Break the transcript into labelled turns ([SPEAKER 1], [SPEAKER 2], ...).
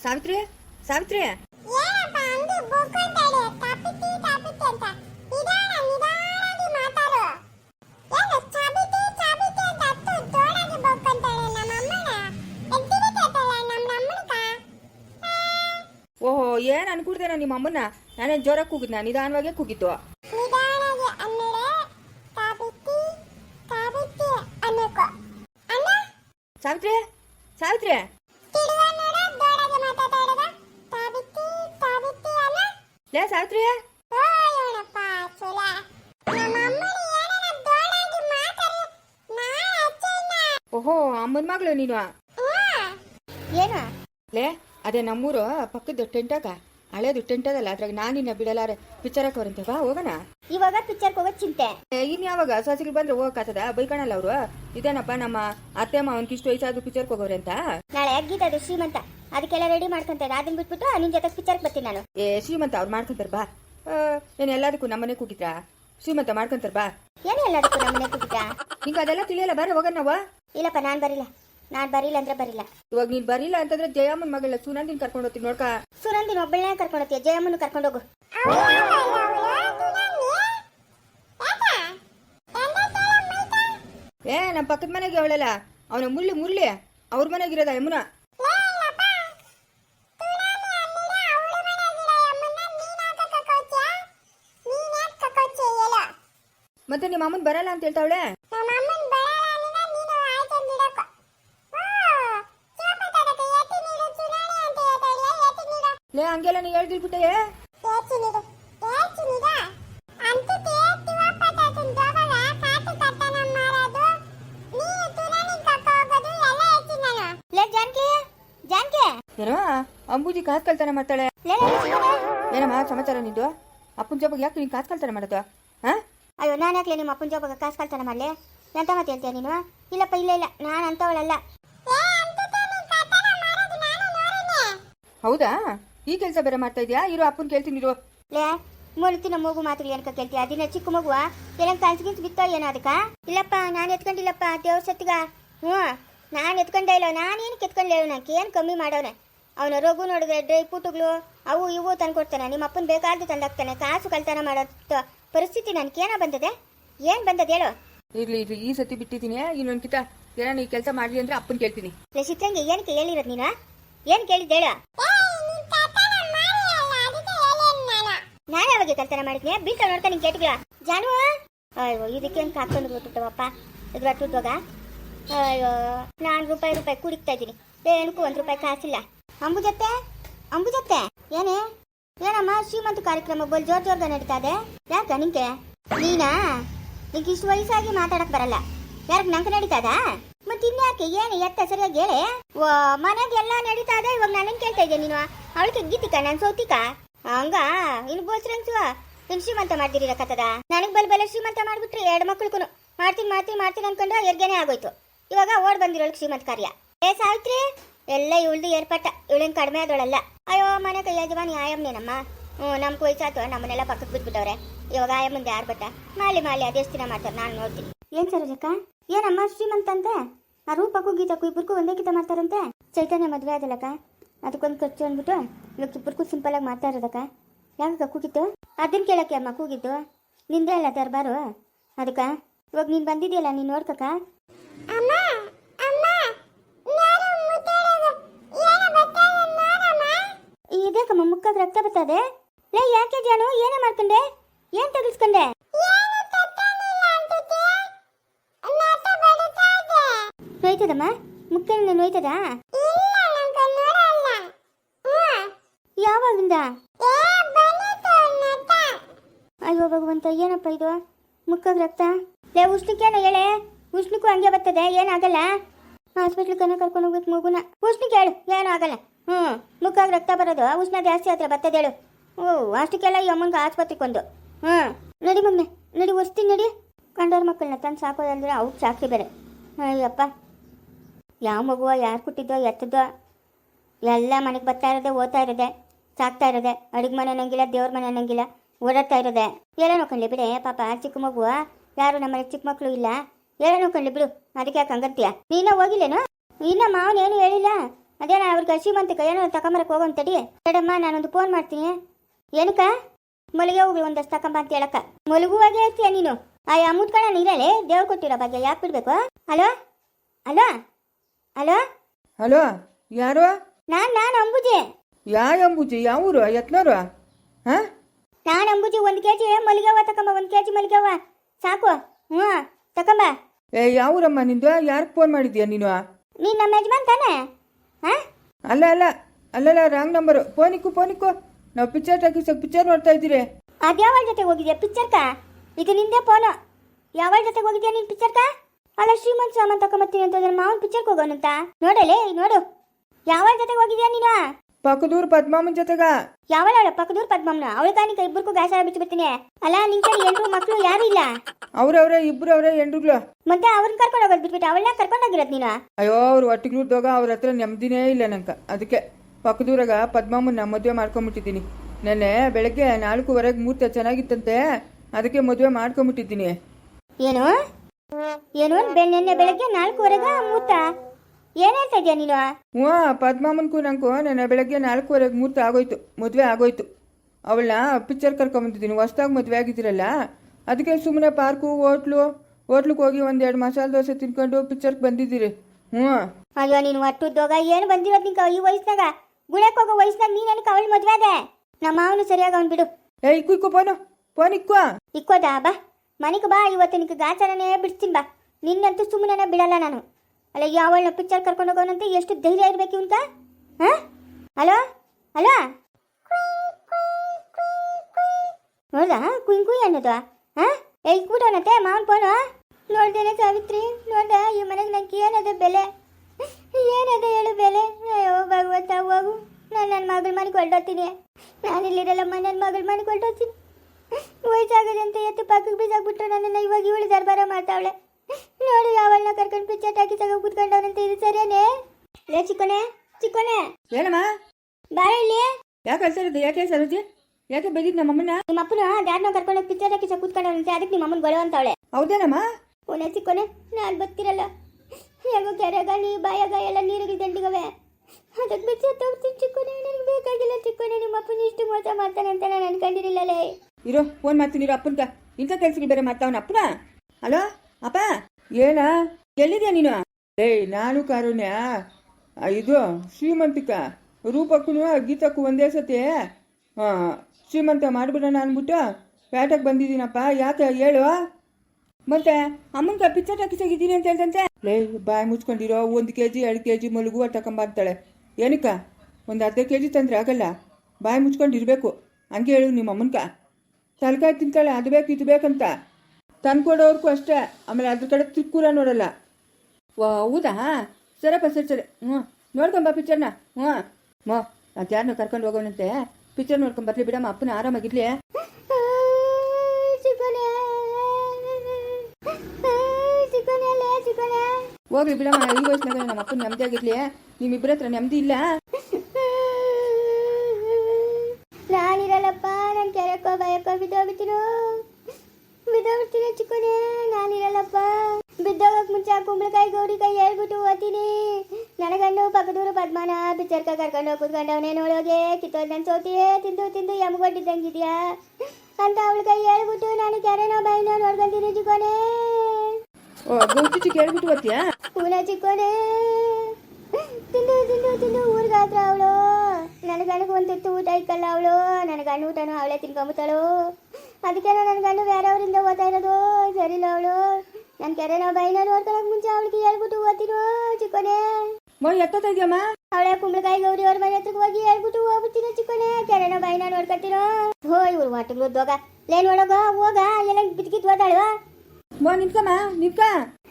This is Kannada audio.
[SPEAKER 1] ಸಾವಿತ್ರಿ ಸಾವಿತ್ರಿ
[SPEAKER 2] ಏನಪ್ಪ ಅಂದು ಬೋಕೊಂತಾಳೆ ಕಾಪಿಟಿ ಕಾಪಿಟಿ ಅಂತ ನಿಧಾನವಾಗಿ ಮಾತಾಡು. ಏನು ಚಾಬಿಟಿ ಅಂತ ಅತ್ತು ಜೋರಾಗಿ ಬೋಕೊಂತಾಳೆ ನಮ್ಮಮ್ಮನ ಎತ್ತಿಬಿಟ್ಟೈತಲ್ಲ ನಮ್ಮಮ್ಮನಕ.
[SPEAKER 1] ಓಹೋ ಏನು ಅನ್ಕೊಡ್ತೇನೆ ನಿಮ್ಮ ಅಮ್ಮನ? ನಾನೇನು ಜೋರಾಗಿ ಕೂಗಿದ್ನ? ನಿಧಾನವಾಗೇ ಕೂಗಿತ್ತು.
[SPEAKER 2] ನಿಧಾನವಾಗಿ ಅನ್ನಡೆ ಕಾಪಿಟಿ ಕಾಪಿಟಿ ಅನ್ನಕೋ ಅಣ್ಣ.
[SPEAKER 1] ಸಾವಿತ್ರಿ ಸಾವಿತ್ರಿ
[SPEAKER 2] ತಿರುವನ್ನಡ ಜೋರಾಗಿ ಮಾತಾಡೋದ ಕಾಪಿಟಿ ಕಾಪಿಟಿ ಅಣ್ಣ.
[SPEAKER 1] ಲೇ ಸಾವಿತ್ರಿ
[SPEAKER 2] ಓಯ್ ಚೋಲ ನಮ್ಮಮ್ಮನ ಏನನ ಜೋರಾಗಿ ಮಾತಾಡಿ ನಾ ಅಚ್ಚೇನ.
[SPEAKER 1] ಓಹೋ ಅಮ್ಮನ ಮಗಳು ನೀನು?
[SPEAKER 2] ಏನು
[SPEAKER 1] ಲೇ ಅದೇ ನಮ್ಮೂರು ಪಕ್ಕದ ಟೆಂಟಾಗ ಹಳೇದು ಟೆಂಟ್ ಅದಲ್ಲ, ಅದ್ರಾಗ ನಾನಿನ್ನ ಬಿಡಲಾರೆ ಪಿಕ್ಚರಕ್ಕೆ ಬರಂತೆ. ಬಾ ಹೋಗೋಣ.
[SPEAKER 2] ಇವಾಗ ಪಿಕ್ಚರ್ಗೆ ಹೋಗೋದು ಚಿಂತೆ.
[SPEAKER 1] ಇನ್ ಯಾವಾಗ ಸೊಸೆಗೆ ಬಂದ್ರೆ ಹೋಗಕ್ಕಾಗ್ತದ? ಬೈಕಣಲ್ಲ ಅವರು. ಇದೇನಪ್ಪ ನಮ್ಮ ಅತ್ತೆ ಮಾವನ್ಗೆ ಇಷ್ಟು ವಯಸ್ಸಾದ್ರು ಪಿಕ್ಚರ್ಗೆ ಹೋಗೋರೆ ಅಂತ.
[SPEAKER 2] ನಾಳೆ ಗೀತದು ಶ್ರೀಮಂತ, ಅದಕ್ಕೆಲ್ಲ ರೆಡಿ ಮಾಡ್ಕೊಂತೇನೆ. ಅದನ್ನ ಬಿಟ್ಬಿಟ್ಟು ನಿನ್ ಜೊತೆ ಪಿಕ್ಚರ್ಗೆ ಬರ್ತೀನಿ ನಾನು.
[SPEAKER 1] ಶ್ರೀಮಂತ ಅವ್ರು ಮಾಡ್ಕೊಂತಾರ ಬಾ. ಏನು ಎಲ್ಲದಕ್ಕೂ ನಮ್ಮನೆ ಕೂಗಿದ್ರಾ? ಶ್ರೀಮಂತ ಮಾಡ್ಕೊಂತಾರ ಬಾ.
[SPEAKER 2] ಏನು ಎಲ್ಲದಕ್ಕೂ ನಮ್ಮನೆ ಕೂಗಿದ್ರಾ?
[SPEAKER 1] ನಿಂಗೆ ಅದೆಲ್ಲ ತಿಳಿಯಲ್ಲ. ಬರ್ರಿ ಹೋಗೋಣ ನಾವು.
[SPEAKER 2] ಇಲ್ಲಪ್ಪ ನಾನು ಬರಿಲ್ಲ ಅಂದ್ರೆ ಬರಿಲ್ಲ.
[SPEAKER 1] ಇವಾಗ ನೀನ್ ಬರಿಲ್ಲ ಅಂತಂದ್ರೆ ಜಯಮ್ಮನ್ ಮಗಳ ಸುನಂದಿನ ಕರ್ಕೊಂಡು ಹೋಗ್ತೀನಿ ನೋಡ್ಕ.
[SPEAKER 2] ಸುನಂದಿನ ಒಬ್ಬಳನ್ನ ಕರ್ಕೊಂಡು ಹೋಗ್ತೀಯ, ಜಯಮ್ಮನ ಕರ್ಕೊಂಡು ಹೋಗು.
[SPEAKER 1] ನಮ್ಮ ಪಕ್ಕದ ಮನೆಗೆ ಅವಳೆಲ್ಲ ಅವನ ಮುರ್ಲಿ ಅವ್ರ ಮನೆಗಿರೋದ ಯಮುನ. ಮತ್ತೆ ನಿಮ್ಮ ಅಮ್ಮನ್ ಬರಲ್ಲ ಅಂತ ಹೇಳ್ತಾವಳೆ. ಲೇ ಹಂಗೆಲ್ಲ ನೀ ಹೇಳ್ದಿಲ್ಬಿಟ್ಟೆ. ಏನೋ ಅಂಬೂಜಿ ಕಾಸ್ ಕಳ್ತನ ಮಾಡ್ತಾಳೆ. ಏನಮ್ಮ ಸಮಾಚಾರ ನಿಂದು? ಅಪ್ಪನ ಜಾಬಾಗ ಯಾಕೆ ನೀನು ಕಾಸ್ ಕಳ್ತನ ಮಾಡೋದು? ಹಾ
[SPEAKER 2] ಅಯ್ಯೋ ನಾನು ಯಾಕೆ ನಿಮ್ಮ ಅಪ್ಪನ ಜಾಬಾಗ ಕಾಸ್ ಕಳ್ತನ ಮಾಡಲಿ? ಎಂತ ಮಾತು ಹೇಳ್ತೀಯ ನೀನು? ಇಲ್ಲಪ್ಪ ಇಲ್ಲ ನಾನು ಅಂತವಳಲ್ಲ.
[SPEAKER 1] ಹೌದಾ? ಈ ಕೆಲಸ ಬೇರೆ ಮಾಡ್ತಾ ಇದೆಯಾ? ಇರೋ ಅಪ್ಪನ ಕೇಳ್ತೀನಿ ಇರೋ.
[SPEAKER 2] ಲೇ ಮೊಳತಿನ ಮಗು ಮಾತುಗಳು ಏನಕ್ಕ ಕೇಳ್ತೀಯ? ಅದಿನ ಚಿಕ್ಕ ಮಗುವ ಏನಂಗ ಕಾನ್ಸಿಗಿಂತ ಬಿತ್ತೋ ಏನೋ ಅದಕ್ಕ? ಇಲ್ಲಪ್ಪ ನಾನು ಎತ್ಕೊಂಡಿಲ್ಲಪ್ಪ ದೇವ್ರ ಸತ್ತಿಗ. ನಾನು ಎತ್ಕೊಂಡೇ ಇಲ್ಲ. ನಾನೇನಕ್ಕೆ ಎತ್ಕೊಂಡೇ? ನನಗೆ ಏನು ಕಮ್ಮಿ ಮಾಡವನೆ ಅವನ. ರೋಗು ನೋಡಿದ್ರೆ ಡ್ರೈ ಫ್ರೂಟುಗಳು ಅವು ಇವು ತಂದ್ಕೊಡ್ತಾನೆ. ನಿಮ್ಮ ಅಪ್ಪನ ಬೇಕಾದ್ದು ತಂದಾಕ್ತಾನೆ. ಕಾಸು ಕಳ್ತನ ಮಾಡೋ ಪರಿಸ್ಥಿತಿ ನನಗೇನೋ ಬಂದದೆ. ಏನು ಬಂದದ ಹೇಳು?
[SPEAKER 1] ಇರ್ಲಿ ಈ ಸತಿ ಬಿಟ್ಟಿದ್ದೀನಿ. ಇನ್ನೊಂದು ಕಿತ ಏನೋ ಈ ಕೆಲಸ ಮಾಡ್ಲಿ ಅಂದ್ರೆ ಅಪ್ಪನ ಕೇಳ್ತೀನಿ.
[SPEAKER 2] ಲೇ ಚಿತ್ರಂಗೆ ಏನಕ್ಕೆ ಹೇಳಿರೋದು ನೀನು? ಏನು ಕೇಳಿದ್ದೆ ಹೇಳು? ನಾನು ಯಾವಾಗ ಕಳ್ತನ ಮಾಡಿದ್ನಿ? ಬೀಳ್ತಾ ನೋಡ್ತಾ ನಿಂಗೆ ಕೇಟಿಗಳ ಜಾನು. ಅಯ್ಯೋ ಇದಕ್ಕೇನು ಹಾಕೊಂಡು ಬಿಟ್ಟುಬಿಟ್ಟವಪ್ಪ. ಇದು ಬಟ್ಟುವಾಗ ಅಯ್ಯೋ ನಾನು ರೂಪಾಯಿ ಕುಡಿಕ್ತಾ ಇದ್ದೀನಿ. ಏನಕ್ಕೂ ₹1 ಕಾಸಿಲ್ಲ. ಅಂಬುಜತ್ತೆ ಏನಮ್ಮ ಶ್ರೀಮಂತ ಕಾರ್ಯಕ್ರಮ ಬೋಲ್ ಜೋರ್ಗ ನಡೀತಾ ಇದೆ. ಯಾಕ ನಿಂಗೆ ನಿಂಗೆ ಇಷ್ಟು ವಯಸ್ಸಾಗಿ ಮಾತಾಡಕ್ ಬರಲ್ಲ? ಯಾರಕ್ಕೆ ನಂಗೆ ನಡೀತಾ ಇದ? ಮತ್ತೆ ಇನ್ಯಾಕೆ ಏನು ಎತ್ತ ಸರಿಯಾಗಿ ಹೇಳಿ. ಮನೆಗೆ ಎಲ್ಲ ನಡೀತಾ ಇದೆ. ಇವಾಗ ನಾನು ಕೇಳ್ತಾ ಇದ್ದೆ ನೀನು ಅವಳಿಗೆ ಗೀತಿಕ ನಾನು ಸೌತಿಕ ಹಂಗ ಇನ್ನು ಬೋಸ್ರಂಗ್ಸುವ ಇನ್ನು ಶ್ರೀಮಂತ ಮಾಡ್ದಿರಕತ್ತದ. ನನಗೆ ಬಲ್ ಶ್ರೀಮಂತ ಮಾಡ್ಬಿಟ್ರಿ. 2 ಮಕ್ಳಿಗೂ ಮಾಡ್ತೀನಿ ಅನ್ಕೊಂಡು ಎರ್ಗೇನೆ ಆಗೋಯ್ತು. ಇವಾಗ ಓಡ್ ಬಂದಿರೋಳಕ್ಕೆ ಶ್ರೀಮಂತ ಕಾರ್ಯ. ಸಾವಿತ್ರಿ ಎಲ್ಲ ಇವಳ್ದು ಏರ್ಪಾಟ. ಇವಳೇನು ಕಡಿಮೆ ಆದೋಳಲ್ಲ. ಅಯ್ಯೋ ಮನೆ ಕೈ ಯಜಮಾನಿ ಆಯಮ್ಮನೇನಮ್ಮ. ನಮ್ಗೆ ವಯಸ್ಸಾತು. ನಮ್ಮನ್ನೆಲ್ಲ ಪಕ್ಕಕ್ಕೆ ಬಿಟ್ಬಿಟ್ಟವ್ರೆ. ಇವಾಗ ಆಯಮ್ಮಂದೆ ಯಾರು ಬಟ್ಟ ಮಾಲಿ ಅದೆಷ್ಟು ದಿನ ಮಾಡ್ತಾರೆ ನಾನು ನೋಡ್ತೀನಿ. ಏನ್ ಸರೋಜಕ್ಕ ಏನಮ್ಮ ಶ್ರೀಮಂತ ಅಂತೆ? ಆ ರೂಪಕ್ಕೂ ಗೀತಕ್ಕೂ ಇಬ್ಬರಿಗೂ ಒಂದೇ ಗೀತ ಮಾಡ್ತಾರಂತೆ. ಚೈತನ್ಯ ಮದುವೆ ಆದಲ್ಲಕ್ಕ, ಅದಕ್ಕೊಂದು ಖರ್ಚು ಅಂದ್ಬಿಟ್ಟು ಇವಾಗ ಇಬ್ಬರಿಗೂ ಸಿಂಪಲ್ ಆಗಿ ಮಾಡ್ತಾ ಇರೋದಕ್ಕ. ಯಾಕ ಕೂಗಿತ್ತು? ಅದನ್ನ ಕೇಳಕ್ಕೆ ಅಮ್ಮ ಕೂಗಿದ್ದು. ನಿಂದೇ ಅಲ್ಲ ದರ್ಬಾರು ಅದಕ್ಕ. ಇವಾಗ ನೀನು ಬಂದಿದೆಯಲ್ಲ ನೀನು ನೋಡ್ಕಕ್ಕ. ಇದೇಕಮ್ಮ ಮುಖದ ರಕ್ತ ಬರ್ತದೆ. ಲೇ ಯಾಕೆ ಜಾನು? ಏನೇ ಮಾಡ್ಕೊಂಡೆ? ಏನ್ ತಗಿಸ್ಕೊಂಡೆ? ನೋಯ್ತದಮ್ಮ ಮುಖ ನೋಯ್ತದ? ಯಾವಾಗಿಂದ? ಅಯ್ಯೋ ಭಗವಂತ ಏನಪ್ಪ ಇದು ಮುಖದ ರಕ್ತ? ಲೇ ಉಷ್ಣಕ್ಕೇನು ಹೇಳೆ? ಉಷ್ಣಕ್ಕೂ ಹಂಗೆ ಬರ್ತದೆ. ಏನಾಗಲ್ಲ. ಹಾಸ್ಪಿಟ್ಲ್ ಕರ್ಕೊಂಡು ಹೋಗ್ಬೇಕು ಮಗುನ. ಉಷ್ಣಕ್ಕೆ ಹೇಳು ಏನೂ ಆಗಲ್ಲ. ಮುಖಾಗ ರಕ್ತ ಬರೋದು ಉಷ್ಣ ಜಾಸ್ತಿ ಹತ್ರ ಬರ್ತದೆ ಹೇಳು. ಅಷ್ಟಕ್ಕೆಲ್ಲ ಈ ಅಮ್ಮನ್ಗೆ ಆಸ್ಪತ್ರೆಗೊಂದು. ನಡಿ ಮಗನೆ ನಡಿ ಒರ್ಸ್ತೀನಿ ನಡಿ. ಕಂಡೋರ್ ಮಕ್ಕಳನ್ನ ತಂದು ಸಾಕೋದಂದ್ರೆ ಅವ್ರು ಸಾಕ್ಷಿ ಬೇರೆ. ಅಯ್ಯಪ್ಪ ಯಾವ ಮಗುವ ಯಾರು ಕೊಟ್ಟಿದ್ದೋ ಎತ್ತದೋ ಎಲ್ಲ ಮನೆಗೆ ಬರ್ತಾ ಇರೋದೆ, ಓದ್ತಾ ಇರೋದೆ, ಸಾಕ್ತಾ ಇರೋದೆ. ಅಡುಗೆ ಮನೆ ಅನ್ನಂಗಿಲ್ಲ, ದೇವ್ರ ಮನೆ ಅನ್ನಂಗಿಲ್ಲ, ಓಡಾಡ್ತಾ ಇರೋದೆ. ಎಲ್ಲ ನೋಡ್ಕೊಂಡ್ಲಿ ಬಿಡೆ ಪಾಪ. ಚಿಕ್ಕ ಮಗುವ ಯಾರು ನಮ್ಮನೆ ಚಿಕ್ಕ ಮಕ್ಕಳು ಇಲ್ಲ. ಎಲ್ಲ ನೋಡ್ಕೊಂಡ್ಲಿ ಬಿಡು. ಅದಕ್ಕೆ ಯಾಕೆ ಹಂಗಂತೀಯ? ನೀನ ಹೋಗಿಲ್ಲೇನು? ಇನ್ನ ಮಾವನೇನು ಹೇಳಿಲ್ಲ. ಅದೇನ ಅವ್ರಿಗೆ ಶ್ರೀಮಂತಕ್ಕೆ ಏನೋ ತಗೊಂಬರಕ್ಕೆ ಹೋಗೋನ್ ತಡಿ. ಮೇಡಮ್ಮ ನಾನೊಂದು ಫೋನ್ ಮಾಡ್ತೀನಿ. ಏನಕ್ಕ? ಮಲ್ಲಿಗೆ ಹೂಗಳು ಒಂದಷ್ಟು ತಗೊಂಬ ಅಂತ ಹೇಳಕ್ಕ. ಮಲಗುವಾಗೆ ಹೇಳ್ತೀಯ ನೀನು. ಆ ಮುಟ್ಕಣ ನೀರಲ್ಲೇ ದೇವ್ರು ಕೊಟ್ಟಿರೋ ಬಗ್ಗೆ ಯಾಕೆ ಬಿಡ್ಬೇಕು? ಹಲೋ ಹಲೋ ಹಲೋ
[SPEAKER 1] ಹಲೋ, ಯಾರು?
[SPEAKER 2] ನಾನು ಅಂಬುಜಿ.
[SPEAKER 1] ಯಾವ ಅಂಬುಜಿ? ಯಾವ ಊರು? ಯತ್ನೂರು? ಹಾ,
[SPEAKER 2] ನಾನು ಅಂಬುಜಿ. 1 kg ಮಲ್ಲಿಗೆ ಹೂವ ತಗೊಂಬ. 1 kg ಮಲ್ಲಿಗೆ ಹೂವ ಸಾಕು. ಹ್ಞೂ ತಗೊಂಬ.
[SPEAKER 1] ಯಾವ ಊರಮ್ಮ ನಿಂದು? ಯಾರಿಗೆ ಫೋನ್ ಮಾಡಿದ್ಯಾ ನೀನು?
[SPEAKER 2] ನೀನು ನಮ್ಮ ಯಜಮಾನ್ ತಾನೆ? ಹಾಂ
[SPEAKER 1] ಅಲ್ಲಲ್ಲ ರಾಂಗ್ ನಂಬರು. ಫೋನಿಕ್ಕು. ನಾವು ಪಿಕ್ಚರ್ ಟಾಕೀಸಾಗ ಪಿಕ್ಚರ್ ನೋಡ್ತಾ ಇದ್ದೀರಿ.
[SPEAKER 2] ಅದ್ಯಾವಳ ಜೊತೆಗೆ ಹೋಗಿದ್ಯಾ ಪಿಕ್ಚರ್ಕ? ಇದು ನಿಂದೇ ಫೋನು. ಯಾವಳ ಜೊತೆಗೆ ಹೋಗಿದ್ಯಾ ನೀನು ಪಿಕ್ಚರ್ಕ? ಅಲ್ಲ, ಶ್ರೀಮಂತ ಸಾಮಾನು ತಗೊಂಬತ್ತೀನಿ ಅಂತ ನನ್ನ ಮಾವನ ಪಿಕ್ಚರ್ಗೆ ಹೋಗೋಣಂತ. ನೋಡಲೇ ನೋಡು, ಯಾವಳ ಜೊತೆಗೆ ಹೋಗಿದ್ಯಾ ನೀನು?
[SPEAKER 1] ಪಕ್ಕದೂರು ಪದ್ಮಮ್ಮನ ಜೊತೆಗ.
[SPEAKER 2] ಯಾವಳ ಪಕ್ಕದೂರು ಪದ್ಮಮ್ಮನ? ಅವಳ ತಾನಿಕ ಇಬ್ಬರಿಗೂ ಗಾಸ ಬಿಟ್ಟು ಬರ್ತೀನಿ. ಅಲ್ಲ, ನಿನ್ ಕಡೆ ಹೆಣ್ಣು ಮಕ್ಕಳು ಯಾರು ಇಲ್ಲ?
[SPEAKER 1] ಅವ್ರವ್ರೆ ಇಬ್ರು ಅವ್ರೆ ಹೆಂಡ್ರುಗಳು.
[SPEAKER 2] ಮತ್ತೆ ಅವ್ರನ್ನ ಕರ್ಕೊಂಡು ಹೋಗೋದು ಬಿಟ್ಬಿಟ್ಟು ಅವಳನ್ನ ಕರ್ಕೊಂಡೋಗಿರೋದು ನೀನು?
[SPEAKER 1] ಅಯ್ಯೋ, ಅವ್ರು ಒಟ್ಟಿಗ್ಲೂರ್ದಾಗ ಅವ್ರ ಹತ್ರ ನೆಮ್ಮದಿನೇ ಇಲ್ಲ ನಂಕ. ಅದಕ್ಕೆ ಪಕ್ಕದೂರಾಗ ಪದ್ಮಮ್ಮನ ಮದುವೆ ಮಾಡ್ಕೊಂಬಿಟ್ಟಿದ್ದೀನಿ. ನೆನ್ನೆ ಬೆಳಗ್ಗೆ 4:15 ಮುಹೂರ್ತ ಚೆನ್ನಾಗಿತ್ತಂತೆ, ಅದಕ್ಕೆ ಮದುವೆ ಮಾಡ್ಕೊಂಬಿಟ್ಟಿದ್ದೀನಿ.
[SPEAKER 2] ಏನು ನಿನ್ನೆ ಬೆಳಗ್ಗೆ 4:15 ಮುಹೂರ್ತ? ಏನ್ ಹೇಳ್ತಾ ಇದೀಯ ನೀನು?
[SPEAKER 1] ಹ್ಞೂ, ಪದ್ಮಮ್ಮನ್ಗೂ ನಂಗೂ ನೆನ್ನೆ ಬೆಳಗ್ಗೆ 4:15 ಮುಹೂರ್ತ ಆಗೋಯ್ತು, ಮದುವೆ ಆಗೋಯ್ತು. ಅವಳನ್ನ ಪಿಕ್ಚರ್ ಕರ್ಕೊಂಬಂದಿದ್ದೀನಿ. ಹೊಸ್ದಾಗಿ ಮದುವೆ ಆಗಿದ್ದೀರಲ್ಲ, ಅದಕ್ಕೆ ಸುಮ್ಮನೆ ಪಾರ್ಕು ಹೋಟ್ಲಿಗೆ ಹೋಗಿ 1-2 ಮಸಾಲೆ ದೋಸೆ ತಿನ್ಕೊಂಡು ಪಿಕ್ಚರ್ಗೆ ಬಂದಿದ್ದೀರಿ. ಹ್ಞೂ.
[SPEAKER 2] ಅಯ್ಯೋ, ನೀನು ಒಟ್ಟುದ್ದೋಗ ಏನು ಬಂದಿರೋದು ನಿಂಕ ಈ ವಯಸ್ಸಿನಾಗ? ಗುಳಕ್ಕೆ ಹೋಗೋ ವಯಸ್ಸಿನಾಗ ನೀನೇನಕ್ಕೆ ಅವಳು ಮದುವೆ ಅದೇ? ನಮ್ಮ ಮಾವನು ಸರಿಯಾಗ ಅವ್ನು ಬಿಡು.
[SPEAKER 1] ಇಕ್ಕು ಫೋನ್
[SPEAKER 2] ಇಕ್ಕೋದಾ? ಬಾ ಮನೆಗೆ ಬಾ. ಇವತ್ತು ನಿನಗೆ ಗಾಚಾರನೇ ಬಿಡ್ತೀನಿ ಬಾ. ನಿನ್ನಂತೂ ಸುಮ್ಮನೆ ಬಿಡಲ್ಲ ನಾನು. ಅಲ್ಲ, ಯಾವಳನ್ನ ಪಿಕ್ಚರ್ ಕರ್ಕೊಂಡು ಹೋಗೋನಂತೆ ಎಷ್ಟು ಧೈರ್ಯ ಇರಬೇಕು ಇವನ್ಕ? ಹಾಂ? ಹಲೋ ನೋಡ್ದಾ ಕುಯ್ ಅನ್ನೋದು? ಹಾಂ, ಇಕ್ಬಿಡೋನತ್ತೆ ಮಾವನ ಫೋನು. ನೋಡ್ದೇನೆ ಸಾವಿತ್ರಿ, ನೋಡ್ದ ಈ ಮನೆಗೆ ನಂಗೆ ಏನದ ಬೆಲೆ? ಏನದ ಹೇಳು ಬೆಲೆ? ಅಯ್ಯೋ ಭಗವಂತ, ಹೋಗು. ನಾನು ನನ್ನ ಮಗಳ ಮನೆಗೆ ಹೊರಟೋಗ್ತೀನಿ. ನಾನಿಲ್ಲಿರಲ್ಲಮ್ಮ, ನನ್ನ ಮಗಳ ಮನೆಗೆ ಹೊರಟೋಗ್ತೀನಿ. ವಯಸ್ಸಾಗದೆ ಅಂತ ಎತ್ತು ಪಕ್ಕಕ್ಕೆ ಬೀಸಾಕ್ಬಿಟ್ರು ನನ್ನನ್ನು. ಇವಾಗ ಇವಳು ದರ್ಬಾರ ಮಾಡ್ತಾವಳೆ. ನೋಡಿ, ಯಾವಳನ್ನ ಕರ್ಕೊಂಡು ಪಿಕ್ಚರ್ ಟಾಕಿ ತಗೋ ಕೂತ್ಕೊಂಡವನಂತ. ಇದು ಸರಿಯಾನೇ? ಲೇ ಚಿಕ್ಕೋನೆ
[SPEAKER 1] ಹೇಳಮ್ಮ.
[SPEAKER 2] ಬಾಳ ಇಲ್ಲಿ.
[SPEAKER 1] ಯಾಕೆ ಅಳ್ಸಿರೋದು? ಯಾಕೆ ಸರೋಜಿ? ಯಾಕೆ ಬೈದಿದ್ ನಮ್ಮಮ್ಮನ?
[SPEAKER 2] ನಿಮ್ಮ ಅಪ್ಪನ ಯಾರನ್ನ ಕರ್ಕೊಂಡು ಪಿಕ್ಚರ್ ಟಾಕಿ ಕೂತ್ಕೊಂಡವನಂತೆ, ಅದಕ್ಕೆ ನಿಮ್ಮ ಅಮ್ಮನ ಗೊಳ ಅಂತವಳೆ.
[SPEAKER 1] ಹೌದೇನಮ್ಮ?
[SPEAKER 2] ಓನೆ ಚಿಕ್ಕೋನೆ, ನಾನು ಬರ್ತಿರಲ್ಲ. ಹೇಗೋ ಕೆರೆಗ ಬಾಯಾಗ ಎಲ್ಲ ನೀರಿಗೆ ದಂಡಿಗವೆ. ಅದಕ್ಕೆ ಬಿಚ್ಚ ತೋರ್ತೀನಿ ಚಿಕ್ಕೋನೆ. ನನಗೆ ಬೇಕಾಗಿಲ್ಲ ಚಿಕ್ಕೋನೆ. ನಿಮ್ಮ ಅಪ್ಪನ ಇಷ್ಟು ಮೋಸ ಮಾಡ್ತಾನೆ ಅಂತ ನಾನು ಅನ್ಕೊಂಡಿರಲಿಲ್ಲಲೇ.
[SPEAKER 1] ಇರೋ, ಫೋನ್ ಮಾಡ್ತೀನಿ ಇರೋ ಅಪ್ಪನ್ಕ. ಇಂಥ ಕೆಲ್ಸಗಳು ಬೇರೆ ಮಾಡ್ತಾವನ ಅಪ್ಪನ. ಹಲೋ ಅಪ್ಪ, ಏನ? ಎಲ್ಲಿದ್ಯಾ ನೀನು? ನಾನು ಕಾರುಣ್ಯ. ಇದು ಶ್ರೀಮಂತಿಕ ರೂಪಕ್ಕೂ ಗೀತಕ್ಕೂ ಒಂದೇ ಸತಿ ಶ್ರೀಮಂತ ಮಾಡಿಬಿಡೋಣ ಅಂದ್ಬಿಟ್ಟು ಪೇಟೆಗೆ ಬಂದಿದ್ದೀನಪ್ಪ. ಯಾಕೆ ಹೇಳು? ಮತ್ತೆ ಅಮ್ಮನ್ಕ ಪಿಕ್ಚರ್ ಟಾಕಿಸಾಗಿದ್ದೀನಿ ಅಂತ ಹೇಳ್ದಂತೆ. ಬಾಯಿ ಮುಚ್ಕೊಂಡಿರೋ. 1 kg 2 kg ಮಲಗುವ ತಗೊಂಬರ್ತಾಳೆ. ಏನಕ್ಕ? ಒಂದು ಅರ್ಧ kg ತಂದ್ರೆ ಆಗಲ್ಲ. ಬಾಯಿ ಮುಚ್ಕೊಂಡಿರ್ಬೇಕು. ಹಂಗೆ ಹೇಳು ನಿಮ್ಮ ಅಮ್ಮನ್ಕ. ತಲೆಕಾಯಿ ತಿಂತಾಳೆ, ಅದು ಬೇಕು ಇದು ಬೇಕಂತ. ತಂದ್ಕೊಡೋರ್ಗೂ ಅಷ್ಟೇ. ಆಮೇಲೆ ಅದ್ರ ಕಡೆ ತಿಕ್ಕೂರ ನೋಡಲ್ಲ. ಹೌದಾ? ಸರಪ್ಪ, ಸರಿ. ಹ್ಞೂ, ನೋಡ್ಕೊಂಬ ಪಿಕ್ಚರ್ನ. ಹ್ಞೂ ಅದು ಯಾರನ್ನ ಕರ್ಕೊಂಡು ಹೋಗೋಣಂತೆ. ಪಿಕ್ಚರ್ ನೋಡ್ಕೊಂಬರ್ಲಿ ಬಿಡಮ್ಮ. ಅಪ್ಪನ ಆರಾಮಾಗಿರ್ಲಿ. ಹೋಗ್ಲಿ ಬಿಡಮ್ಮ. ಈ ವಯಸ್ಸಿನಾಗ ನಮ್ಮ ಅಪ್ಪನ ನೆಮ್ಮದಿ ಆಗಿರ್ಲಿ. ನಿಮ್ಮಿಬ್ಬರ ಹತ್ರ ನೆಮ್ಮದಿ ಇಲ್ಲ.
[SPEAKER 2] ನಾನಿರಲ್ಲಪ್ಪ. ನಾನು ಕೆರೆಕೋ ಭಯಕ್ಕೋ ಬಿದ್ದೋಗ್ಬಿಡ್ತೀನಿ ಚಿಕ್ಕೋನೆ. ನಾನಿರಲ್ಲಪ್ಪ. ಬಿದ್ದೋಗಕ್ ಮುಂಚೆ ಕುಂಬಳಕಾಯಿ ಗೌರಿಕಾಯಿ ಹೇಳ್ಬಿಟ್ಟು ಓದ್ತೀನಿ. ನನಗಂಡು ಪಕ್ಕದೂರು ಪದ್ಮನ ಪಿಕ್ಚರ್ಕ ಕರ್ಕೊಂಡು ಕೂತ್ಕೊಂಡವನೇ. ನೋಡೋಗೆ ಕಿತ್ತೋದ್ ನನ್ನ ಸೋತಿಯೇ ತಿಂದು ಎಮ್ಗೊಟ್ಟಿದ್ದಂಗಿದ್ಯಾ ಅಂತ ಅವಳ ಕೈ ಹೇಳ್ಬಿಟ್ಟು ನಾನು ಕೆರೆನೋ ಬಾಯಿನೋ ನೋಡ್ಕೊಂತೀನಿ ಚಿಕ್ಕೋನೆ.
[SPEAKER 1] ಗೌಚಿ ಹೇಳ್ಬಿಟ್ಟು ಓದ್ತೀಯಾ?
[SPEAKER 2] ಹೂನ ಚಿಕ್ಕೋನೆ. ತಿಂದು ಊರ್ಗಾತ್ರ ಅವಳು. ನನ್ನ ಗಂಡಗೆ ಒಂದು ತುತ್ತು ಊಟ ಇಕ್ಕಲ್ಲ ಅವಳು. ನನ್ನ ಗಂಡು ಊಟನೂ ಅವಳೇ ತಿನ್ಕೊಂಬಿಟ್ಟಳು. ಅದಕ್ಕೇನೋ ನನ್ನ ಗಂಡು ಬೇರೆಯವರಿಂದ ಓದ್ತಾ ಇರೋದು ಸರಿಲ್ಲ ಅವಳು. ನನ್ನ ಕೆರೆನೋ ಬಾಯಿನ ನೋಡ್ಕೊಳಕ್ ಮುಂಚೆ ಅವಳಿಗೆ ಹೇಳ್ಬಿಟ್ಟು ಓದ್ತೀನೋ ಚಿಕ್ಕೋನೆ.
[SPEAKER 1] ಎತ್ತ ಇದೆಯಮ್ಮ?
[SPEAKER 2] ಅವಳೆ ಕುಂಬಳಕಾಯಿ ಗೌರಿ ಅವ್ರ ಮನೆ ಹತ್ರಕ್ಕೆ ಹೋಗಿ ಹೇಳ್ಬಿಟ್ಟು ಹೋಗ್ಬಿಡ್ತೀನೋ ಚಿಕ್ಕೋನೆ. ಕೆರೆನೋ ಬಾಯಿನ ನೋಡ್ಕೊತೀನೋ. ಇವ್ರು ಮಾಟಗಳು ಹೋಗ ಲೇ ನೋಡೋಗ ಹೋಗ. ಎಲ್ಲ ಬಿದ್ಕಿತ್ ಓದಾಳುವ.
[SPEAKER 1] ನಿಂತ್ಕಮ್ಮ.